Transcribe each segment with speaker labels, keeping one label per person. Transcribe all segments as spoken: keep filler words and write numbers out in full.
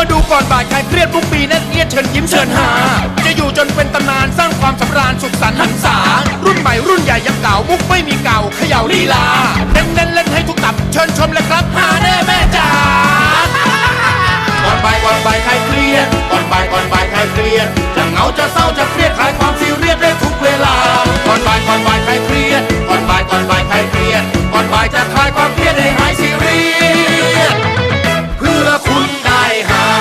Speaker 1: มาดูก่อนบ่ายใครเครียดทุกปีนั่นเอียดเชิญยิ้มเชิญหาจะอยู่จนเป็นตำนานสร้างความสำราญสุขสันต์หันษารุ่นใหม่รุ่นใหญ่ยังเก่ามุกไม่มีเก่าเขย่าลีลาเน้นเน้นเล่นให้ทุกตับเชิญชมเลยครับหาแน่แม่จ๋าก่อนบ่ายก่อนบ่ายใครเครียดก่อนบ่ายก่อนบ่ายใครเครียดจะเหงาจะเศร้าจะเครียดคลายความซีเรียสได้ทุกเวลาก่อนบ่ายก่อนบ่ายใครเครียดก่อนบ่ายก่อนบ่ายใครเครียดก่อนบ่ายจะคลายความเครียดให้หายซีเรียสเพื่อคุณได้หา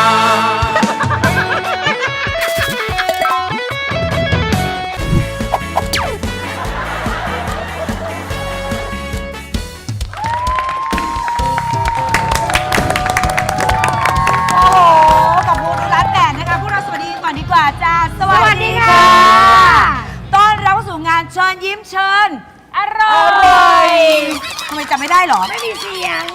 Speaker 2: สวัสดีค่ะต้อนรับสู่งานเชิญยิ้มเชิญอร่อยทำไมจำไม่ได้หรอไม่มีเสียง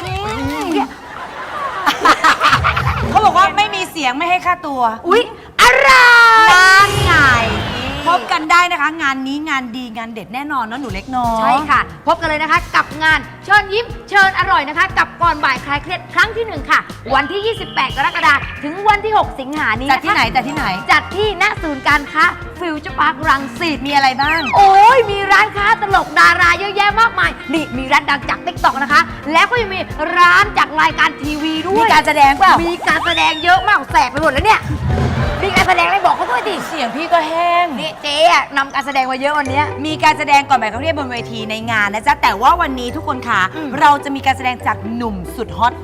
Speaker 2: เขาบอกว่าไม่มีเสียงไม่ให้ค่าตัวอุ๊ยอร่อยงานไงพบกันได้นะคะงานนี้งานดีงานเด็ดแน่นอนเนาะหนูเล็กน้อย
Speaker 3: ใช่ค่ะพบกันเลยนะคะกับงานเชิญยิ้มเชิญอร่อยนะคะกับก่อนบ่ายคลายเครียดครั้งที่หนึ่งค่ะวันที่ยี่สิบแปดกรกฎาคมถึงวันที่หกสิงหาคมนี้
Speaker 2: จัดที่ไหนจัดที่ไหน
Speaker 3: จัดที่ณศูนย์การค้าฟิวเจอร์พาร์ครังสิต
Speaker 2: มีอะไรบ้าง
Speaker 3: โอ้ยมีร้านค้าตลกดาราเยอะแยะมากมายนี่มีร้านดังจากติ๊กต็อกนะคะแล้วก็ยังมีร้านจากรายการทีวีด้วย
Speaker 2: มีการแสดงเปล่า
Speaker 3: มีการแสดงเยอะมากแสบไปหมดแล้วเนี่ยมีการแสดงอะไรบอกเขาด้วยดิ
Speaker 2: เสียงพี่ก็แห้ง
Speaker 3: นี่เจ๊อะนำการแสดงมาเยอะวันนี้
Speaker 2: มีการแสดงก่อนบ่ายเขาเรียกบนเวทีในงานนะจ๊ะแต่ว่าวันนี้ทุกคนค่ะเราจะมีการแสดงจากหนุ่มสุดฮอต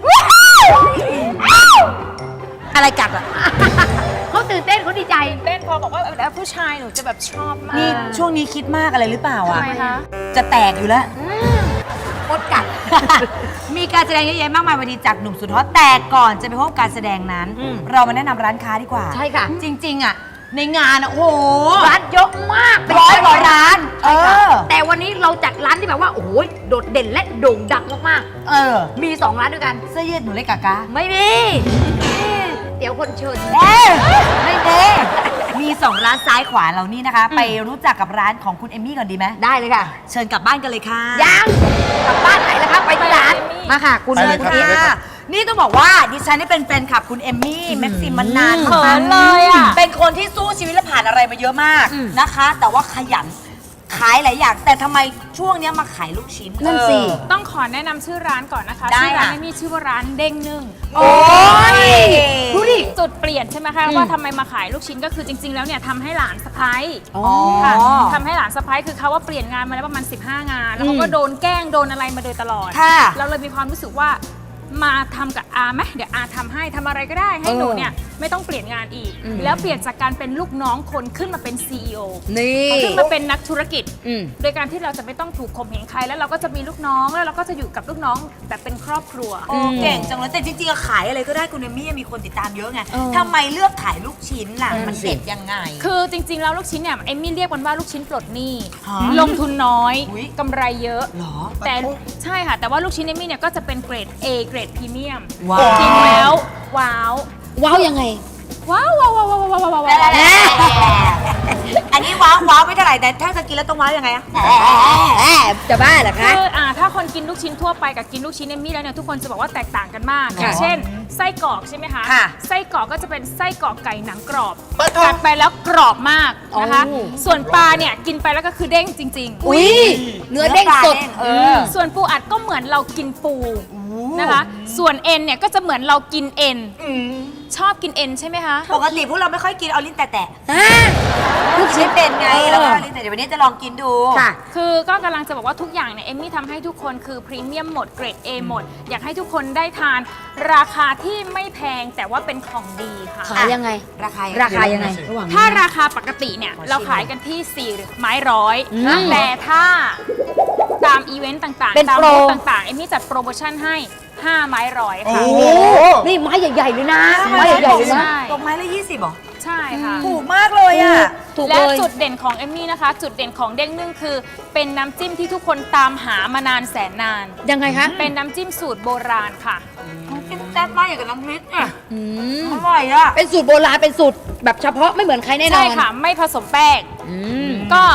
Speaker 2: อะไรกัดอ่ะ
Speaker 3: เขาตื่นเต้นเขาดีใจ
Speaker 4: เต้นพอบอกว่าแล้วผู้ชายหนูจะแบบชอบมาก
Speaker 2: นี่ช่วงนี้คิดมากอะไรหรือเปล่าอ่ะ
Speaker 4: ทำไมคะ
Speaker 2: จะแตกอยู่แล้ว
Speaker 3: มดกัด
Speaker 2: มีการแสดงเยอะแยะมากมายวันนี้จากหนุ่มสุดฮอตแต่ก่อนจะไปพบการแสดงนั้นเรามาแนะนำร้านค้าดีกว่า
Speaker 3: ใช่ค่ะ
Speaker 2: จริงๆอ่ะในงานอ่ะโอ้โห
Speaker 3: ร้านเยอะมาก
Speaker 2: ร้อยกว่าร้านเออ
Speaker 3: แต่วันนี้เราจัดร้านที่แบบว่าโอ้โหโดดเด่นและโด่งดังมาก
Speaker 2: ๆเออ
Speaker 3: มีสองร้านด้วยกัน
Speaker 2: เสื้อยืดหนูเล็กกากา
Speaker 3: ไม่มีเดี๋ยวคนเชิญ
Speaker 2: เอ๊ไม่เด้มีสองร้านซ้ายขวาเรานี่นะคะไปรู้จักกับร้านของคุณเอมมี่ก่อนดีไหม
Speaker 3: ได้เลยค่ะ
Speaker 2: เชิญกลับบ้านกันเลยค่ะ
Speaker 3: ยังกลับบ้านไหนล่ะคะไปที่ร้านมาค่ะคุณ
Speaker 2: เชิญค่ะนี่ต้องบอกว่าดิฉันนี่เป็นแฟนคลับคุณเอมมี่แม็กซิมมานาน
Speaker 4: มากเลยอ่ะ
Speaker 2: เป็นคนที่สู้ชีวิตและผ่านอะไรมาเยอะมากนะคะแต่ว่าขยันขายหลายอย่างแต่ทำไมช่วงนี้มาขายลูกชิ้น
Speaker 3: นั่นสิ
Speaker 4: ต้องขอแนะนำชื่อร้านก่อนนะคะ
Speaker 2: ชื่
Speaker 4: อร้านไม่มีชื่อว่าร้านเด้งนึ่ง
Speaker 2: โอ้ย
Speaker 4: ดูดิจุดเปลี่ยนใช่ไหมคะว่าทำไมมาขายลูกชิ้นก็คือจริงๆแล้วเนี่ยทำให้หลานสะพ้ายค่ะทำให้หลานสะพ้ายคือเขาว่าเปลี่ยนงานมาแล้วประมาณสิบห้างานแล้วเขาก็โดนแกล้งโดนอะไรมาโดยตลอดเราเลยมีความรู้สึกว่ามาทำกับอาไหมเดี๋ยวอาทำให้ทำอะไรก็ได้ให้หนูเนี่ยไม่ต้องเปลี่ยนงานอีกแล้วเปลี่ยนจากการเป็นลูกน้องคนขึ้นมาเป็น ซี อี โอ
Speaker 2: นี่
Speaker 4: ขึ้นมาเป็นนักธุรกิจโดยการที่เราจะไม่ต้องถูกข่มเหงใครแล้วเราก็จะมีลูกน้องแล้วเราก็จะอยู่กับลูกน้องแบบเป็นครอบครัว
Speaker 2: โอ้เก่งจังเลยแต่จริงๆขายอะไรก็ได้คุณเอมี่มีคนติดตามเยอะไงทำไมเลือกขายลูกชิ้นล่ะมันเด็ดยังไง
Speaker 4: คือจริงๆแล้วลูกชิ้นเนี่ยเอมี่เรียกมันว่าลูกชิ้นปลดหนี้ลงทุนน้อยกำไรเยอะแต่ใช่ค่ะแต่ว่าลูกชิ้นเอมี่เนี่ยก็จะเป็นเกรด A เกรดพรีเมียมกินแล้วว้าว
Speaker 3: ว้าวยังไง
Speaker 4: ว้าวว้าวว้าวว้าวว้าวว้าว
Speaker 2: อันนี้ว้าวว้าวไม่เท่าไหร่แต่ถ้าจะกินแล้วต้องว้าวยังไงอะ
Speaker 3: จะบ้าเหรอคะ
Speaker 4: คืออ่าถ้าคนกินลูกชิ้นทั่วไปกับกินลูกชิ้นเอมมี่แล้วเนี่ยทุกคนจะบอกว่าแตกต่างกันมากอย่างเช่นไส้กรอกใช่ไหมคะไส้กรอกก็จะเป็นไส้กรอกไก่หนังกรอบกัดไปแล้วกรอบมากนะคะส่วนปลาเนี่ยกินไปแล้วก็คือเด้งจริงๆ
Speaker 3: อุ้ยเนื้อเด้งสด
Speaker 4: ส่วนปูอัดก็เหมือนเรากินปูนะคะส่วนเอ็นเนี่ยก็จะเหมือนเรากินเอ็นชอบกินเอ็นใช่ไหมคะ
Speaker 2: ปกติพวกเราไม่ค่อยกินเอาลิ้นแตะๆลูกชิ้นเป็นไงแล้วก็ลิ้นแต่เดี๋ยววันนี้จะลองกินดู
Speaker 4: ค่ะคือก็กำลังจะบอกว่าทุกอย่างเนี่ยเอมมี่ทำให้ทุกคนคือพรีเมียมหมดเกรด A หมดอยากให้ทุกคนได้ทานราคาที่ไม่แพงแต่ว่าเป็นของดีค่ะ
Speaker 3: ขายยังไง
Speaker 2: ราคา
Speaker 3: ราคายังไง
Speaker 4: ถ้าราคาปกติเนี่ยเราขายกันที่สี่ไม้ร้อยแต่ถ้าตามอีเวนต์ต่างๆตามบูธต่างๆเอมมี่จัดโปรโมชั่นให้ห้าไม้ร้อยค่ะ
Speaker 3: นี่ไม้ใหญ่ๆเลยนะไม้ใหญ่ๆเลยนะ
Speaker 2: ตกไม้ละยี่สิบหรอ
Speaker 4: ใช่ค่ะ
Speaker 2: ถูกมากเลยอ่ะ
Speaker 4: และจุดเด่นของเอมมี่นะคะจุดเด่นของเด้งนึ่งคือเป็นน้ำจิ้มที่ทุกคนตามหามานานแสนนาน
Speaker 3: ยังไงคะ
Speaker 4: เป็นน้ำจิ้มสูตรโบราณค่ะ
Speaker 2: น้ำจิ้มแซ่บมากอย่างกับน้ำพริกอ่ะอร่อยอ่ะ
Speaker 3: เป็นสูตรโบราณเป็นสูตรแบบเฉพาะไม่เหมือนใครแน่นอน
Speaker 4: ใช่ค่ะไม่ผสมแป้งก็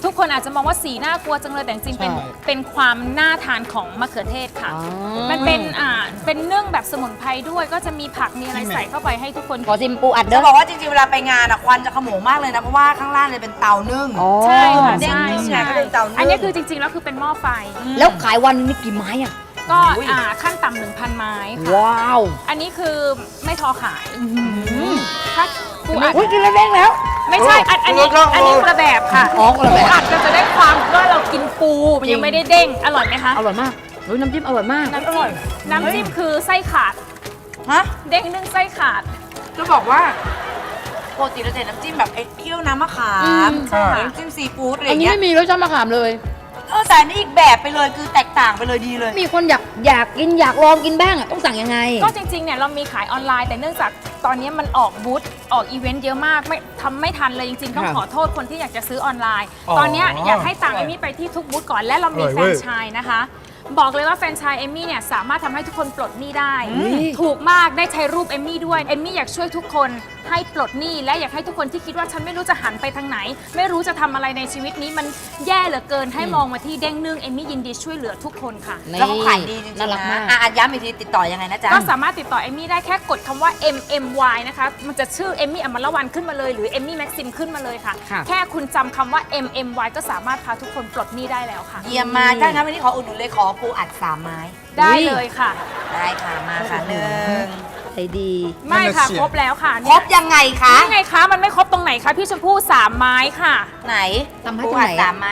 Speaker 4: ทุกคนอาจจะมองว่าสีน่ากลัวจังเลยแต่จริงๆเป็น
Speaker 5: ใช่
Speaker 4: เป็นความน่าทานของมะเขือเทศค่ะ มันเป็นอ่าเป็นเนื่องแบบสมุนไพรด้วยก็จะมีผักมีอะไรใส่เข้าไปให้ทุกคน
Speaker 3: ขอซิมปูอัด
Speaker 2: จะ
Speaker 3: เด้อ
Speaker 2: บอกว่าจริงๆ เวลาไปงานอะควันจะขโมงมากเลยนะ เพราะว่าข้างล่างเลยเป็นเตานึ่ง
Speaker 4: ใช่ค่ะ
Speaker 2: เด้ง
Speaker 4: ใช่
Speaker 2: นึ่ง
Speaker 4: ใช่
Speaker 2: ไงก็เลยเตานึ่ง
Speaker 4: อันนี้คือจริงๆแล้วคือเป็นหม้อไฟ
Speaker 3: แล้วขายวันนี้กี่ไม้อ่ะ
Speaker 4: ก็อ่าขั้นต่ำหนึ่งพันไม้ค่ะ
Speaker 3: ว้าว
Speaker 4: อันนี้คือไม่ทอขายถ้าปูอัด
Speaker 3: อุ้ยกินแล้วเด้งแล้ว
Speaker 4: ไม่ใช่อันอันนี้อันนี้กระแบบค่ะ
Speaker 3: อ๋อกระแบบ
Speaker 4: ปูอัดเราจะได้ความว่าเรากินปูมันยังไม่ได้เด้งอร่อยไหมคะ
Speaker 3: อร่อยมากเฮ้ยน้ำจิ้มอร่อยมาก
Speaker 4: น้ำจิ้มน้ำจิ้มคือไส้ขาด
Speaker 2: ฮะ
Speaker 4: เด้งนึ่งไส้ขาด
Speaker 2: จะบอกว่าปกติเราจะเห็นน้ำจิ้มแบบไอ้เคี่ยวน้ำมะขาม
Speaker 5: ใช่
Speaker 2: น้ำจิ้มซีฟู้ดอะไรอ
Speaker 3: อัน
Speaker 2: ย่าง
Speaker 3: นี้
Speaker 2: เงี้ย
Speaker 3: ไม่มีรสชาติมะขามเลย
Speaker 2: เออแต่อันนี้อีกแบบไปเลยคือแตกต่างไปเลยดีเลย
Speaker 3: มีคนอยากอยากกินอยากลองกินบ้างอ่ะต้องสั่งยังไง
Speaker 4: ก็จริงๆเนี่ยเรามีขายออนไลน์แต่เนื่องจากตอนนี้มันออกบูธออกอีเวนต์เยอะมากไม่ทำไม่ทันเลยจริงๆ ต้อง
Speaker 3: ค่ะ
Speaker 4: ขอโทษคนที่อยากจะซื้อออนไลน์
Speaker 5: อ๋อ
Speaker 4: ตอนเนี้ยอยากให้ต่างเอมมี่ไปที่ทุกบูธก่อนและเรามี
Speaker 5: อร่อย
Speaker 4: แฟ
Speaker 5: เว้
Speaker 4: ร
Speaker 5: ย
Speaker 4: นไชส์นะคะ บอกเลยว่าแฟรนไชส์เอมมี่เนี่ยสามารถทำให้ทุกคนปลดหนี้ได้
Speaker 3: อืม
Speaker 4: ถูกมากได้ใช้รูปเอมมี่ด้วยเอมมี่อยากช่วยทุกคนให้ปลดหนี้และอยากให้ทุกคนที่คิดว่าฉันไม่รู้จะหันไปทางไหน ไม่รู้จะทำอะไรในชีวิตนี้มันแย่เหลือเกินให้มองมาที่เด้งนึ่งเอมมี่ยินดีช่วยเหลือทุกคนค่ะ
Speaker 2: แล้วเขาขายดีจริงๆ
Speaker 3: น่ารักมา
Speaker 2: นะ
Speaker 3: ก
Speaker 2: อ่ะอ่ะย้ำอีกทีติดต่อยังไงนะจ๊ะ
Speaker 4: ก็สามารถติดต่อเอมมี่ได้แค่กดคำว่า เอ็ม เอ็ม วาย นะคะ มันจะชื่อเอมมี่อมรวรรณขึ้นมาเลยหรือเอมมี่แม็กซิมขึ้นมาเลยค่ะ
Speaker 3: ค่ะ
Speaker 4: แค่คุณจำคำว่า เอ็ม เอ็ม วาย ก็สามารถพาทุกคนปลดหนี้ได้แล้วค่ะ
Speaker 2: เยี่ยมมากถ้างั้นวันนี้ขออุดหนุนเลยขอปูอัดสามไม้
Speaker 4: ได้เลยค่ะ
Speaker 2: ได้ค่ะมาค่ะหนึ่ง
Speaker 3: ใจดี
Speaker 4: ไม่ค่ะ
Speaker 5: นั่นน่ะเสีย
Speaker 4: ครบแล้วค่ะ
Speaker 2: ครบยังไงคะ
Speaker 4: นี่ไงคะ มันไม่ครบตรงไหนคะพี่ชมพู่สามไม้ค่ะ
Speaker 2: ไหน
Speaker 3: ทำให้
Speaker 2: ปู
Speaker 3: ตรงไหน
Speaker 2: อัดสามไม้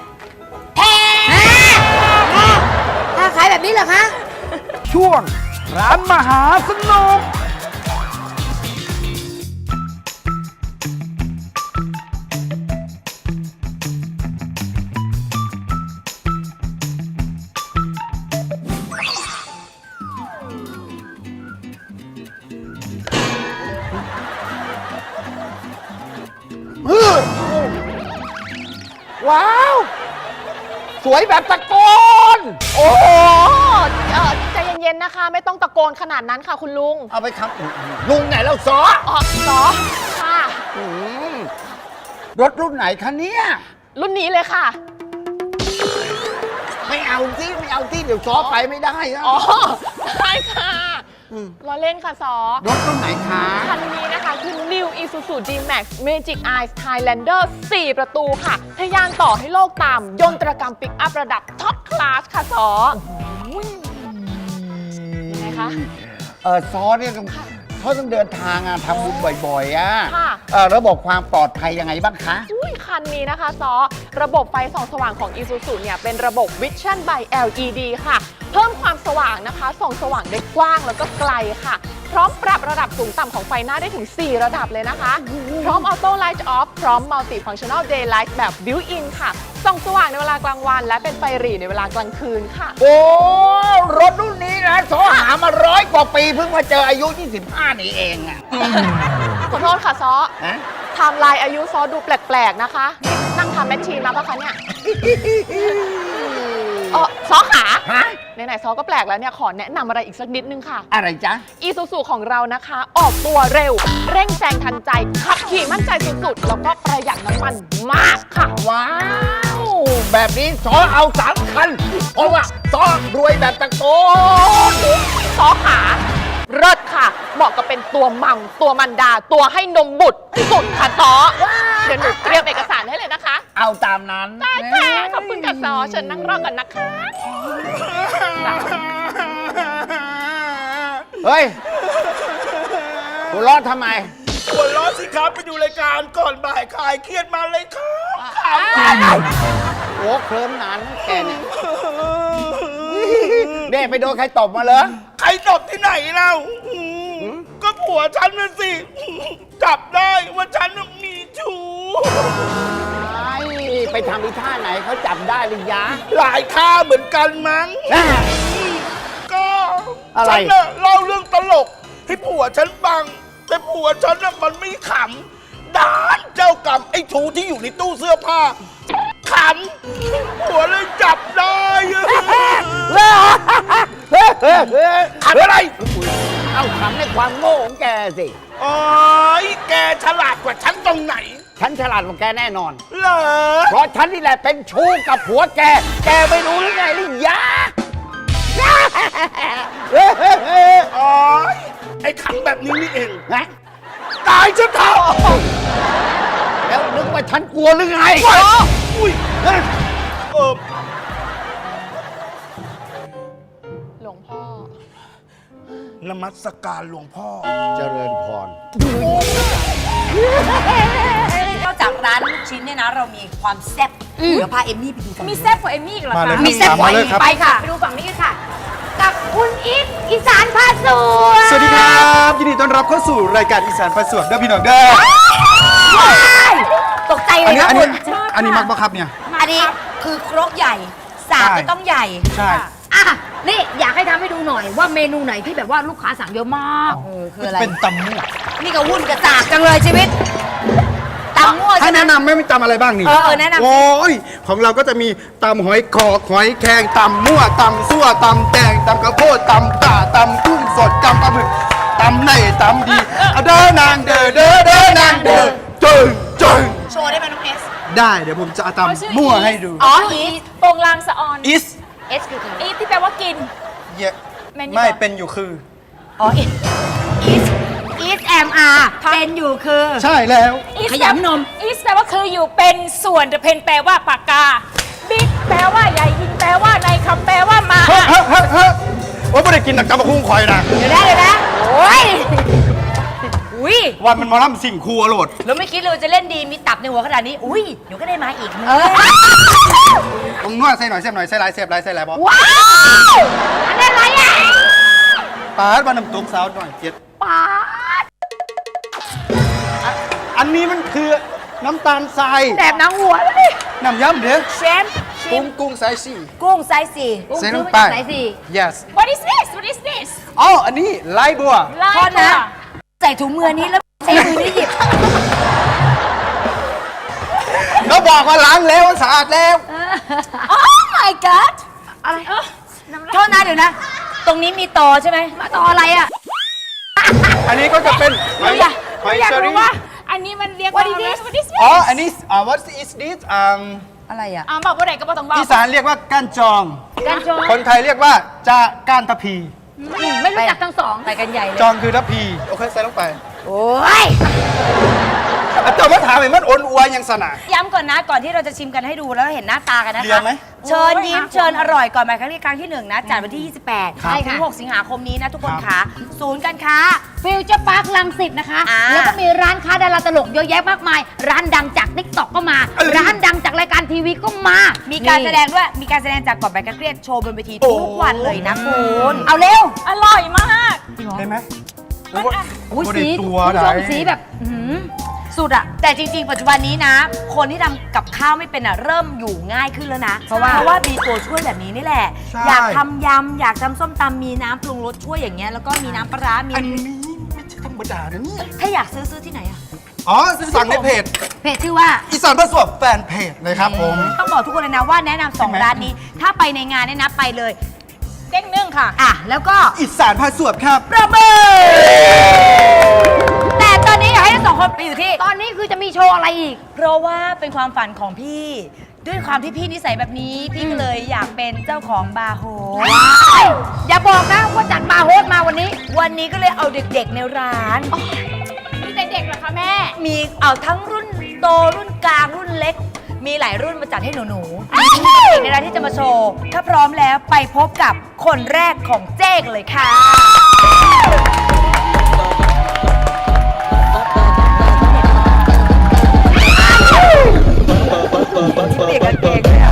Speaker 3: ถ้าขายแบบนี้เหรอคะ
Speaker 5: ช่วงร้านมหาสนุก ว้าว สวยแบบตะโกน โอ้โห
Speaker 6: เออใจเย็นๆนะคะ ไม่ต้องตะโกนขนาดนั้นค่ะคุณลุง
Speaker 5: เอาไปคำลุงไหนแล้วซอ
Speaker 6: อ๋อสอค่ะ
Speaker 5: อืมรถรุ่นไหนคะเนี่ย
Speaker 6: รุ่นนี้เลยค่ะ
Speaker 5: ไม่เอาที่ไม่เอาที่เดี๋ยวซอไปไม่ได้นะ
Speaker 6: อ๋อ ได้ค่ะล้อเล่นค่ะซอ
Speaker 5: รถรุ่นไหนคะ
Speaker 6: คันนี้นะคะคือ New Isuzu D-Max Magic Eyes Highlander สี่ ประตูค่ะทะยานต่อให้โลกตาม ยนตรกรรมปิกอัพระดับท็อปคลาสค่ะซอยังไงคะ
Speaker 5: เออซอเนี่ยต้องเขาต้องเดินทางอะทำบุญบ่อยๆอะ
Speaker 6: ค่ะ
Speaker 5: เออระบบความปลอดภัยยังไงบ้างคะ
Speaker 6: อุ้ยคันนี้นะคะซอ ระบบไฟส่องสว่างของ Isuzu เนี่ยเป็นระบบ Vision by แอล อี ดี ค่ะ เพิ่มความสว่างนะคะส่องสว่างได้กว้างแล้วก็ไกลค่ะ พร้อมปรับระดับสูงต่ำของไฟหน้าได้ถึง สี่ ระดับเลยนะคะ พร้อม Auto Light Off พร้อม Multi Functional Daylight แบบ Built-in ค่ะส่องสว่างในเวลากลางวัน และเป็นไฟหรี่ในเวลากลางคืนค่ะ
Speaker 5: โอ้ รถรุ่นนี้นะซอหามาร้อยกว่าปีเพิ่งมาเจออายุ ยี่สิบห้า นี่เองอะ
Speaker 6: ขอโทษค่ะซอ
Speaker 5: ฮะ
Speaker 6: ไทม์ไลน์อายุซอดูแปลกๆนะคะนี่นั่งทำแมชชีนมาปะคะเนี่ยเออซอขา
Speaker 5: ฮะ
Speaker 6: ไหนๆซอก็แปลกแล้วเนี่ยขอแนะนำอะไรอีกสักนิดนึงค่ะ
Speaker 5: อะไรจ๊ะ
Speaker 6: อีซูซูของเรานะคะ ออกตัวเร็ว เร่งแซงทันใจ ขับขี่มั่นใจสุดๆ แล้วก็ประหยัดน้ำมันมากค่ะ
Speaker 5: ว้าว แบบนี้ซอเอาสามคัน เพราะว่าซอรวยแบบตะโกน
Speaker 6: ซอขาเลิศค่ะ เหมาะกับเป็นตัวมัมตัวมันดา ตัวให้นมบุตรสุดค่ะซอเดี๋ยวหนูเตรียมเอกสารให้เลยนะคะ
Speaker 5: เอาตามนั้น
Speaker 6: ได้ค่ะขอบคุณค่ะซอเชิญนั่งรอก่อนนะคะ
Speaker 5: เฮ้ยหัวเร้อนทำไม
Speaker 1: หัวล้อสิครับไปดูรายการก่อนบ่ายคลายเครียดมาเลยครับ
Speaker 5: โอ้เคลิ้มนานนะแกเนี่ยเน่ไปโดนใครตบมาเหรอ
Speaker 1: ใครตบที่ไหนเล่าอืมก็ผัวฉันน่ะสิ จับได้ว่าฉันน่ะมีชู้
Speaker 5: ไปทำอีท่าไหนเขาจับได้หรือยัง
Speaker 1: หลายท่าเหมือนกันมั้ง ก็
Speaker 5: อะไร
Speaker 1: ฉันน่ะเล่าเรื่องตลก ให้ผัวฉันฟัง แต่ผัวฉันน่ะมันไม่ขำด้านเจ้ากรรมไอ้ชูที่อยู่ในตู้เสื้อผ้าขำผัวเลยจับได้ขำอะไร
Speaker 5: เอาขำในความโง่ของแกสิ
Speaker 1: โอ้ยแกฉลาดกว่าฉันตรงไหน
Speaker 5: ฉันฉลาดกว่าแกแน่นอน
Speaker 1: เหรอ
Speaker 5: เพราะฉันนี่แหละเป็นชู้กับผัวแก แกไม่รู้หรือไงหรือยา
Speaker 1: อ๋อไอ้ขังแบบนี้นี่เอง
Speaker 5: นะ
Speaker 1: ตายฉันเถอะ
Speaker 5: แล้วนึกว่าฉันกลัวหรือไง
Speaker 1: อุ้ยเออ
Speaker 6: หลวงพ่อ
Speaker 1: นมัสการหลวงพ่อ
Speaker 5: เจริญพร
Speaker 2: นอกจากร้านลูกชิ้นเนี่ยนะ เรามีความแซ่บเดี๋ยวพาเอมมี่ไปดูกัน
Speaker 4: มีแซ่บกว่าเอมมี่อีกเหรอ
Speaker 1: มาเล
Speaker 4: คะ
Speaker 1: ย
Speaker 2: มีแซ่บกว่าอีกไปค่ะ
Speaker 3: ไปดูฝั่งนี้กันค่ะ กับคุณอีทอีสานพาสวย
Speaker 7: สวัสดีครับ ยินดีต้อนรับเข้าสู่รายการอีสานประสวบเด้อพี่น้องเด้อ
Speaker 2: ตกใจเล
Speaker 7: อัน
Speaker 2: ย
Speaker 7: นี้
Speaker 2: นะ
Speaker 7: อัน
Speaker 2: คุ
Speaker 7: นี้
Speaker 2: ณ
Speaker 7: อันนี้มักบ่ครับเนี่ย
Speaker 2: อันนี้คือครกใหญ่ สากก็ต้องใหญ่
Speaker 7: ใช่
Speaker 3: อ่ะ นี่อยากให้ทำให้ดูหน่อยว่าเมนูไหนที่แบบว่าลูกค้าสั่งเยอะมาก
Speaker 2: เออคืออะไร
Speaker 7: เป็นตำมั่ว
Speaker 2: นี่ก็วุ่นกระจากจังเลยชีวิตตำมั่ว
Speaker 7: ให้
Speaker 2: ใช่ไหม
Speaker 7: แนะนำไหม่มีตำอะไรบ้างนี่
Speaker 2: เออเออแนะนำสิ
Speaker 7: โอ้ยของเราก็จะมีตำหอยขอกหอยแครงตำมั่วตำซั่วตำแตงตำกระโพดตำป่าตำกุ้งสดตำปลาหมึกตำในตำดีเอาเด้อนางเด้อเด้อเด้อนางเด้อจึงจึง
Speaker 2: โชว์ได้ไหมน้องเอส
Speaker 7: ได้เดี๋ยวผมจะเอา
Speaker 4: เขาชื่อ
Speaker 7: ตำมั่วให้ดู
Speaker 2: อ๋ออี
Speaker 4: โปรงลางสะออน
Speaker 7: is
Speaker 3: เอสคือคือ
Speaker 4: อีที่แปลว่ากิน
Speaker 7: เย
Speaker 4: แมนยู
Speaker 7: ไม่
Speaker 4: บอก
Speaker 7: เป็นอยู่คือ
Speaker 2: อ๋ออีอีสอีสแอมอาร์เป็นอยู่คือ
Speaker 7: ใช่แล้ว
Speaker 4: อีส
Speaker 2: ขยำนม
Speaker 4: อีสแปลว่าคืออยู่เป็นส่วนแต่เพนแปลว่าปากกา บิ๊กแปลว่าใหญ่ยิงแปลว่าในคำแปลว่ามา
Speaker 7: เฮ้ยเฮ้ยเฮ้ยเฮ้ยโอ้ยไม่ได้กินแต่กระบะคุ้งคอยนะ
Speaker 2: เดี๋ยวนะเดี๋ยวนะโอ้ยอุ้ย
Speaker 7: วันมันมาล่ำสิ่งครัวโหลด
Speaker 2: แล้วไม่คิดเลยว่าจะเล่นดีมีตับในหัวขนาดนี้ อุ้ยเดี๋ยวก็ได้มาอีกมึง
Speaker 7: ผมนวดใส่หน่อยเสียบหน่อยใส่หลายเสียบหลายใส่หลายบอ
Speaker 3: ว้าวอันนี้อะไรอ่ะ
Speaker 7: ปาดมาน้ำตุ๊กสาวหน่อยเจ็ด
Speaker 3: ป๊าด
Speaker 7: อันนี้มันคือน้ำตาลทราย
Speaker 3: แสบหนังหัวเลย
Speaker 7: น้ำยำเด้อ
Speaker 2: เชฟ
Speaker 7: กุ้งกุ้งสายสี่
Speaker 2: กุ้งไซส์สี่
Speaker 3: กุ้ง
Speaker 7: ใส่ล
Speaker 3: ซื้อง มา
Speaker 7: ไป
Speaker 3: จากไหนสิ
Speaker 7: yes
Speaker 4: What is this What is this
Speaker 7: อ๋ออันนี้ลายบัว
Speaker 4: ไล่
Speaker 2: โทษนะ ใส่ถุงมือนี้แล้วใช้มือนี่หยิบ
Speaker 7: เขาบอกว่าล้างแล้วสะอาดแล้ว
Speaker 2: โอ้ my god
Speaker 3: อะไร
Speaker 2: โทษนะเดี๋ยวนะ ตรงนี้มีตอใช่ไหม
Speaker 3: มาต่ออะไรอ่ะ
Speaker 7: อันนี้ก็จะเป็นหอยหอย
Speaker 4: อยาก
Speaker 7: เชอ
Speaker 4: รู้
Speaker 7: รี่
Speaker 4: ว่า อันนี้มันเรียกว่า
Speaker 3: What is this?
Speaker 4: What is this
Speaker 7: อ๋ออันนี้อ่า what is this อ่า
Speaker 2: อะไรอ่ะ
Speaker 4: อ่าบอกว่าไหนก็บอกต้องบอก
Speaker 7: อีสานเรียกว่าก้านจอง
Speaker 3: กันจอง
Speaker 7: คนไทยเรียกว่าจะก้านทะพี
Speaker 3: ไม่รู้จักทั้งสอง
Speaker 2: ไปกันใหญ่เลย
Speaker 7: จองคือทะพีโอเคใส่ลงไป
Speaker 2: โอ้ย
Speaker 7: อาจารย์มาถามเห็นมันอ่อนอัวยังสนะ
Speaker 2: ย้ำก่อนนะ ก่อนที่เราจะชิมกันให้ดูแล้วเห็นหน้าตากันนะ
Speaker 7: เรีย
Speaker 2: คะ
Speaker 7: นไหม
Speaker 2: เชิญยิ้มเชิญอร่อยก่อนหมายครั้งที่ครั้งที่หนึ่งนะจัดวันที่ ยี่สิบแปด
Speaker 7: ครับ
Speaker 2: ถึงหกสิงหาคมนี้นะทุกคนค่ะ ศูนย์การค้า
Speaker 3: ฟิวเจอร์พาร์คลังสิตนะคะ
Speaker 2: อ่า
Speaker 3: แล้วก็มีร้านค้าดาราตลกเยอะแยะมากมาย ร้านดังจากติ๊กต็อกก็มา ร้านดังจากรายการทีวีก็มา
Speaker 2: มี
Speaker 3: มี
Speaker 2: การแสดงด้วย มีการแสดงจากก่อนไปกันเครียดโชว์บนเวทีทุกวันเลยนะคุณ เอาเร็ว
Speaker 4: อร่อยมาก
Speaker 7: เห็นไหม
Speaker 4: มันอ่ะ
Speaker 3: อุ้ย
Speaker 7: บ่ได้
Speaker 3: สี
Speaker 7: ตั
Speaker 3: คุ
Speaker 7: ว
Speaker 3: ณผู้ชม
Speaker 7: ไหน
Speaker 3: สีแบบอื้อหือ
Speaker 2: สุดอะแต่จริง ๆ ปัจจุบันนี้นะ คนที่ทำกับข้าวไม่เป็นอะเริ่มอยู่ง่ายขึ้นแล้วนะ เพราะว่าเพราะว่ามีตัวช่วยแบบนี้นี่แหละ
Speaker 7: ใช่
Speaker 2: อยากทำยำ อยากทำส้มตำมีน้ำปรุงรสช่วยอย่างเงี้ยแล้วก็มีน้ำปลาร้ามี
Speaker 7: อันนี้ไม่ใช่ธรรมดานะเนี่ย
Speaker 2: ถ้าอยากซื้อซื้อที่ไหนอะ
Speaker 7: อ๋อสั่งในเพจ
Speaker 3: เพจชื่อว่า
Speaker 7: อีสานประสวบแฟนเพจเลยครับผม
Speaker 2: ต้องบอกทุกคนเลยนะว่าแนะนำสอง
Speaker 7: ใช่ไหม
Speaker 2: ร้านนี้ ถ้าไปในงานเนี่ยนะไปเลย
Speaker 4: เด้งนึ่งค่ะ
Speaker 2: อ่ะแล้วก็
Speaker 7: อีสานพาสวบครับ
Speaker 2: ประเมินแต่ตอนนี้อยากให้ทั้งสองคนไปอยู่ที่
Speaker 3: ตอนนี้คือจะมีโชว์อะไรอีก
Speaker 2: เพราะว่าเป็นความฝันของพี่ ด้วยความที่พี่นิสัยแบบนี้ พี่ก็เลยอยากเป็นเจ้าของบาร์โฮส
Speaker 3: อย่าบอกนะว่าจัดบาร์โฮสมาวันนี้
Speaker 2: วันนี้ก็เลยเอาเด็กๆในร้าน
Speaker 4: มีแต่เด็กเหรอคะแม่
Speaker 2: มีเอาทั้งรุ่นโตรุ่นกลางรุ่นเล็ก มีหลายรุ่นมาจัดให้หนูๆมีเด็กในร้านที่จะมาโชว์ ถ้าพร้อมแล้วไปพบกับคนแรกของเจ๊กเลยค่ะเปียกกันเองเลยอะ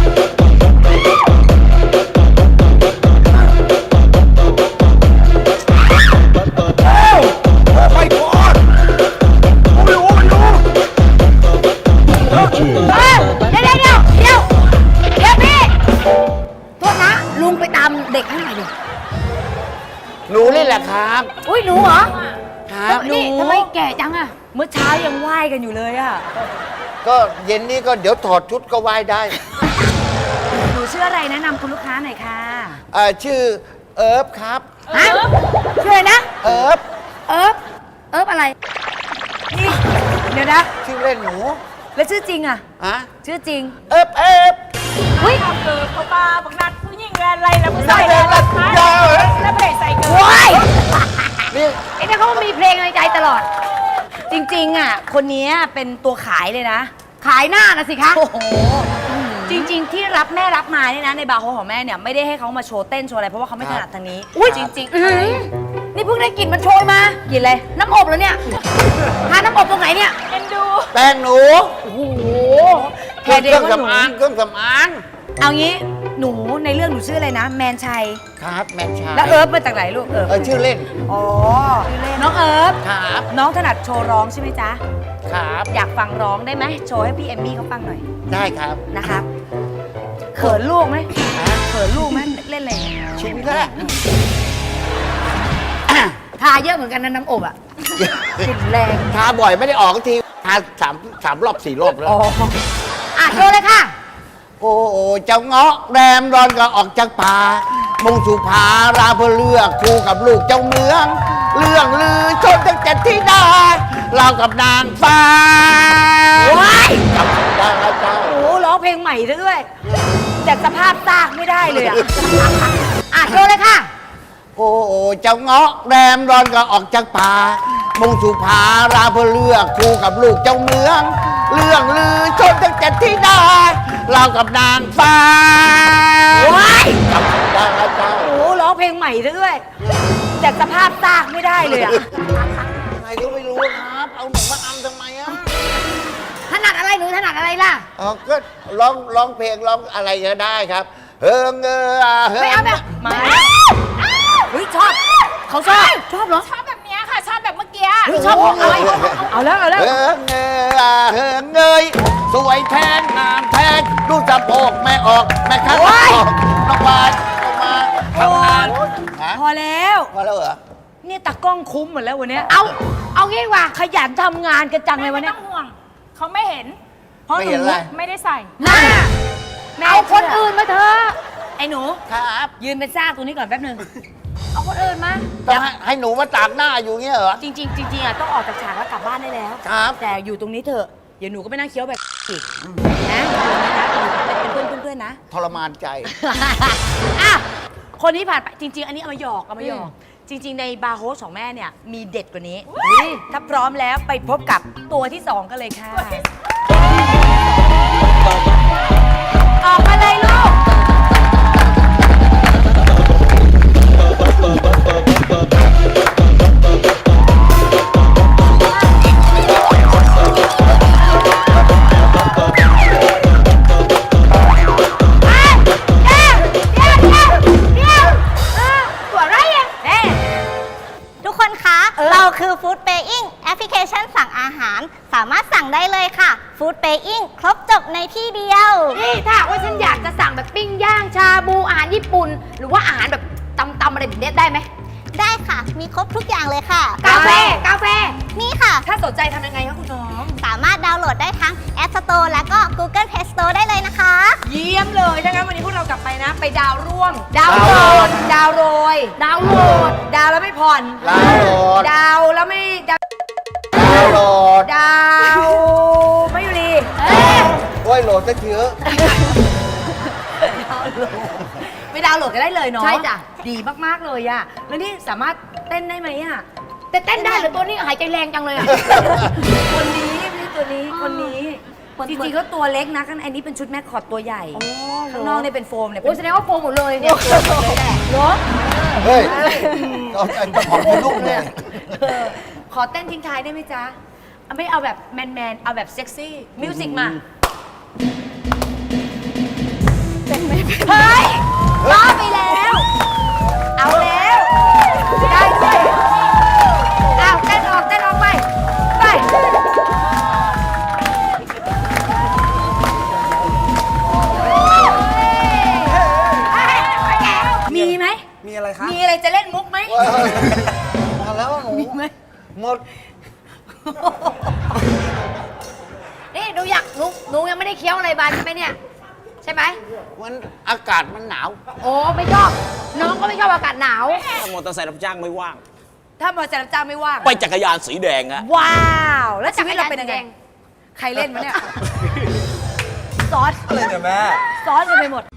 Speaker 7: ไปก่อนไม่รู้ไม่รู้
Speaker 3: เออเดี๋ยวเดี๋ยวเดี๋ยวเดี๋ยวเดี๋ยวพี่ โทษนะ ลุงไปตามเด็กให้หน่อยดิ
Speaker 5: หนูนี่แหละครับ
Speaker 3: อุ้ยหนูเหรอ
Speaker 5: ครับ
Speaker 3: นี่ทำไมแก่จังอะ
Speaker 2: เมื่อเช้ายังไหว้กันอยู่เลยอะ
Speaker 5: ก็เย็นนี้ก็เดี๋ยวถอดชุดก็ไหว้ได้
Speaker 2: หนูชื่ออะไรแนะนำคุณลูกค้าหน่อยค่ะ
Speaker 5: เอ่อชื่อเอิร์ฟครับ
Speaker 4: เ
Speaker 3: ฮะชื่ออะไรนะ
Speaker 5: เอิบ
Speaker 3: เอิบเอิบอะไร
Speaker 2: นี่ เดี๋ยวนะ
Speaker 5: ชื่อเล่นหนู
Speaker 2: แล้วชื่อจริงอะ
Speaker 5: ฮะ
Speaker 2: ชื่อจริง
Speaker 5: เอิบเอิบ
Speaker 4: เฮ้ยเกิดเขาปาบักนัดผู้หญิงแลนอะไรแล้วผู้ชายแลนอะไรคะแล้วเพจใส่เกิน
Speaker 3: ว้าย
Speaker 5: นี่
Speaker 3: ไอ้เนี่ยเขามีเพลงในใจตลอด
Speaker 2: จริงๆอะคนนี้เป็นตัวขายเลยนะ
Speaker 3: ขายหน้านะสิคะ
Speaker 2: โอ้โห จริง ๆ ที่รับแม่รับมาเนี่ยนะในบาร์โฮสของแม่เนี่ยไม่ได้ให้เขามาโชว์เต้นโชว์อะไรเพราะว่าเขาไม่ถนัดทางนี้
Speaker 3: อุ้ย
Speaker 2: จริงๆ
Speaker 3: อื้อ
Speaker 2: อะไร
Speaker 3: หือนี่เพิ่งได้กลิ่นมันโชยมา
Speaker 2: กินเลย
Speaker 3: น้ำอบเหรอเนี่ยทาน้ำอบตรงไหนเนี่ย
Speaker 4: เอ็นดู
Speaker 5: แป้งหนู
Speaker 2: โอ้โห
Speaker 5: เค
Speaker 2: แค่เด็ก
Speaker 5: รื่อง
Speaker 2: ว่าหนู
Speaker 5: สำอางเครื่องสำอาง
Speaker 2: เอางี้หนูในเรื่องหนูชื่ออะไรนะ แมนชัย
Speaker 5: ครับแมนชาย
Speaker 2: แล้วเอิร์ฟมาจากไหนลูกเอิร์ฟ
Speaker 5: เออชื่อเล่น
Speaker 2: อ๋อน้องเอิร์ฟ
Speaker 5: ครับ
Speaker 2: น้องถนัดโชว์ร้องใช่ไหมจ๊ะ
Speaker 5: ครับ
Speaker 2: อยากฟังร้องได้ไหมโชว์ให้พี่เอมมี่เขาฟังหน่อย
Speaker 5: ได้ครับ
Speaker 2: นะครับเขินลูกไหมเขินลูกไหมเล่นอะไร
Speaker 5: ชิ้นแรก
Speaker 3: ทาเยอะเหมือนกันนะน้ำอบอ่ะ
Speaker 2: กลิ่นแรง
Speaker 5: ทาบ่อยไม่ได้ออกทีทาสามสามรอบสี่รอบแล้ว
Speaker 2: อ๋อ
Speaker 3: อ่ะโชว์เลยค่ะ
Speaker 5: โอ้โอ้เจ้าเงาะแรมร้อนก็ออกจากป่ามุ่งสู่ผาราเพื่อเลือกคู่กับลูกเจ้าเมือง เรื่องลือชนตั้งแต่ที่ดาเรากับนางฟ้า
Speaker 2: ว้าย
Speaker 5: กับดาเจ้า
Speaker 2: โอ้โหร้องเพลงใหม่ซะด้วยแต่สภาพซากไม่ได้เลยอ่ะ
Speaker 3: อ่ะโชว์เลยค่ะ
Speaker 5: โอ้โอ้เจ้าเงาะแรมร้อนก็ออกจากป่ามุ่งสู่ผาราเพื่อเลือกคู่กับลูกเจ้าเมือง เรื่องลือชนตั้งแต่ที่ดาเรากับนางฟ้า
Speaker 2: ว้าย
Speaker 5: กับดาเจ้า
Speaker 2: โอ้โหร้องเพลงใหม่ซะด้วยแต่สภาพซากไม่ได้เลยอ่ะ
Speaker 5: ใครก็ไม่รู้ครับ เอาหนูมาอำทำไมอ่ะ
Speaker 3: ถนัดอะไรหนูถนัดอะไรล่ะ
Speaker 5: อ๋อก็ร้องร้องเพลงร้องอะไรก็ได้ครับ เฮิงเงอเฮิง
Speaker 3: ไม่เอาแบบ
Speaker 2: มาเฮ้ยชอบเขาชอบชอบเหรอ
Speaker 4: ชอบแบบเนี้ยค่ะ ชอบแบบเมื่อกี้
Speaker 2: เฮ้ยชอบอะไรเอาแล้วเอาแล้ว
Speaker 5: เฮิงเงอเฮิงเงยสวยแทนงามแทนดูสะโพกแม่ออกแม่ข้างออกน้องวานน้องมาทำงานฮะ
Speaker 2: พอแล้ว
Speaker 5: พอแล้วเหรอ
Speaker 2: เนี่ยตากล้องคุ้มหมดแล้ววันเนี้ย
Speaker 3: เอา เอางี้ดีกว่า
Speaker 2: ขยันทำงานกันจังเลย
Speaker 4: ไม่
Speaker 2: วันเนี้
Speaker 4: ต้
Speaker 2: ย
Speaker 4: องห่วง เขาไม่เห็น
Speaker 2: เพราะ
Speaker 5: ไม่
Speaker 2: ห
Speaker 5: เห็
Speaker 2: นู
Speaker 5: นอะไร
Speaker 4: ไม่ได้ใส่
Speaker 3: น่า
Speaker 2: แม่
Speaker 3: เอาคนอื่นมาเถอะ
Speaker 2: ไอ้หนู
Speaker 5: ครับ
Speaker 2: ยืนเป็นซากตรงนี้ก่อนแป๊บหนึง
Speaker 3: เอาคนอื่นมา
Speaker 5: ต้องให้ให้หนูมาตากหน้าอยู่เงี้ยเหรอ
Speaker 2: จริงๆจริงๆอ่ะต้องออกจากฉากแล้วกลับบ้านได้แล้ว
Speaker 5: ครับ
Speaker 2: แต่อยู่ตรงนี้เถอะเดี๋ยวหนูก็ไม่นั่งเคี้ยวแบบอีกนะอยู่ตรงนี้นะเป็นเพื่อนเพื่อนๆนะ
Speaker 5: ทรมานใจ
Speaker 2: อ่ะคนนี้ผ่านไปจริง ๆ อันนี้เอามาหยอกเอามาหยอกจริง ๆ ในบาร์โฮสของแม่เนี่ยมีเด็ดกว่านี้ถ้าพร้อมแล้วไปพบกับตัวที่สองกันเลยค่ะออกมาเลยลูก
Speaker 8: ทุกคนคะ เราคือ Food Paying แอปพลิเคชันสั่งอาหาร สามารถสั่งได้เลยค่ะ Food Paying ครบจบในที่เดียว
Speaker 3: นี่ถ้าหากว่าฉันอยากจะสั่งแบบปิ้งย่างชาบูอาหารญี่ปุ่น หรือว่าอาหารแบบตำๆอะไรแบบเนี้ยได้ไหม
Speaker 8: ได้ค่ะ มีครบทุกอย่างเลยค่ะ
Speaker 3: กาแฟ กาแฟ
Speaker 8: นี่ค่ะ
Speaker 2: ถ้าสนใจทำยังไงคะคุณน้อง
Speaker 8: สามารถดาวน์โหลดได้ทั้ง App Store และก็ Google Play Store ได้เลยนะคะ
Speaker 2: เยี่ยมเลยถ้างั้นวันนี้พวกเรากลับไปนะ ไปดาวร่วง
Speaker 3: ดาว
Speaker 5: ดาว
Speaker 3: โหล
Speaker 5: โหล
Speaker 3: ด
Speaker 5: ด
Speaker 2: ดาวโรย
Speaker 3: ดาวน์โหลด
Speaker 2: ดาวแล้วไม่ผ่อน
Speaker 5: ดาวโหลด
Speaker 2: ดาวแล้วไม่ดาว
Speaker 5: ดาวน์โหลด
Speaker 2: ดาวไม่อยู่ดี
Speaker 5: โอ้ยโหลดซะเถอะ
Speaker 2: ไปดาวน์โหลดกันได้เลยเนาะ
Speaker 3: ใช่จ้ะ
Speaker 2: ดีมาก ๆ เลยอะแล้วนี่สามารถเต้นได้ไหมอะ
Speaker 3: แต่เต้นได้เหรือตัวนี้หายใจแรงจังเลยอะ
Speaker 2: คนนี้ไม่ใช่ตัวนี้
Speaker 3: อ๋อ
Speaker 2: คนนี้
Speaker 3: คน
Speaker 2: จริงๆเขาตัวเล็กนะข้างในนี้เป็นชุดแม่คอร์ดตัวใหญ่
Speaker 3: อ๋อ
Speaker 2: ข้างนอกเนี่ยเป็นโฟมเนี่ย
Speaker 3: โอ้ยแสดงว่าโฟมหมดเลยเนี่ยเลยแหละ
Speaker 2: เหรอ
Speaker 5: เฮ้ยเราจะขอบคุณลูกเลย
Speaker 2: เออขอเต้นทิ้งท้ายได้ไหมจ๊ะเอาไม่เอาแบบแมนๆเอาแบบเซ็กซี่มิวสิกมาเฮ้ยล้อไปแล้ว เอาแล้ว ได้ด้วยเอาเต้นออกเต้นออกไป ไป มีไหม
Speaker 7: มีอะไรคะ
Speaker 2: มีอะไรจะเล่นมุกไหม
Speaker 5: มาแล้วหนู
Speaker 2: มีไหม
Speaker 5: หมด
Speaker 3: นี่หนูอยากหนูหนูยังไม่ได้เคี้ยวอะไรบานใช่ไหมเนี่ยใช่ไหม
Speaker 5: มันอากาศมันหนาว
Speaker 3: โอ้ไม่ชอบ น้องก็ไม่ชอบอากาศหนาว
Speaker 9: ถ้ามอเตอร์ไซค์รับจ้างไม่ว่าง
Speaker 2: ถ้ามอเตอร์ไซค์รับจ้างไม่ว่าง
Speaker 9: ไปจักรยานสีแดงอะ
Speaker 2: ว้าว แล้วชีวิตเราเป็นยังไง ใครเล่นมาเนี่ย ซอส
Speaker 7: อะไรเนี่ยแม่
Speaker 2: ซอสกันไปหมด